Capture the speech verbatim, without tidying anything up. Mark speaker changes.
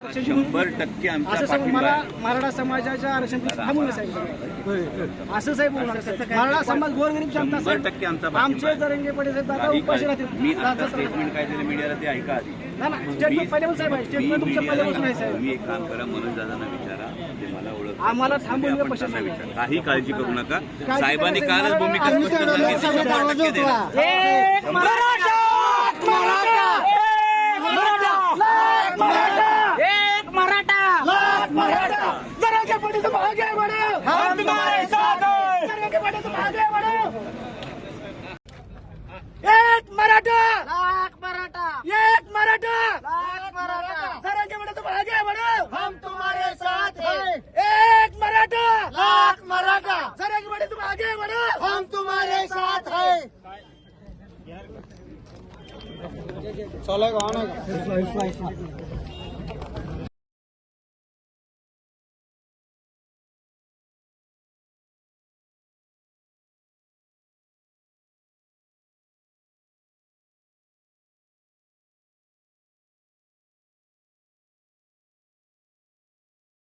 Speaker 1: शंभर टक्के आमचा
Speaker 2: असं साहेब
Speaker 1: पाठिंबा
Speaker 2: मला
Speaker 1: आहे.
Speaker 2: मराठा समाजाच्या आरक्षण थांबवलं साहेब. असं साहेब बोलणार मराठा समाज गोरगरीब जनता
Speaker 1: शंभर
Speaker 2: साहेब
Speaker 1: टक्के आमचा पाठिंबा
Speaker 2: आमचे
Speaker 1: आहे.
Speaker 2: जरंगे पडे साहेब दादा
Speaker 1: काही
Speaker 2: उपाशी
Speaker 1: काळ-
Speaker 2: राहतील.
Speaker 1: मी आता
Speaker 2: दादा-
Speaker 1: स्टेटमेंट काय दिलं मीडियाला ते ऐका आधी.
Speaker 2: ना ना स्टेटमेंट पहिल्यापासून साहेब आहे
Speaker 1: मी
Speaker 2: स्टेटमेंट तुमचं
Speaker 1: मीडियाला
Speaker 2: पहिल्यापासून आहे साहेब.
Speaker 1: तुम्ही एक काम करा, मनोज दादांना विचारा, ते मला ओळख
Speaker 2: आम्हाला थांबवलं
Speaker 1: आपण
Speaker 2: कशासाठी?
Speaker 1: त्यांना विचारा. काही काळजी करू नका.
Speaker 2: काळजी
Speaker 1: साहेबांनी
Speaker 2: करायचं
Speaker 1: कालच
Speaker 2: नाही.
Speaker 1: भूमिका
Speaker 2: आम्ही
Speaker 1: स्पष्ट
Speaker 2: त्या
Speaker 1: सांगितली.
Speaker 2: सगळ्यात
Speaker 1: शंभर टक्के देणार.
Speaker 2: एक मराठा मराठा लाख मराठा एक मराठा लाख मराठा जरंगे पडे तुम आगे बढ़ो हम तुम्हारे साथ हैं जरंगे पडे तुम आगे बढ़ो एक मराठा लाख मराठा एक मराठा लाख मराठा जरंगे पडे तुम आगे बढ़ो हम तुम्हारे साथ हैं एक मराठा लाख मराठा जरंगे पडे तुम आगे बढ़ो हम तुम्हारे साथ हैं चलेगा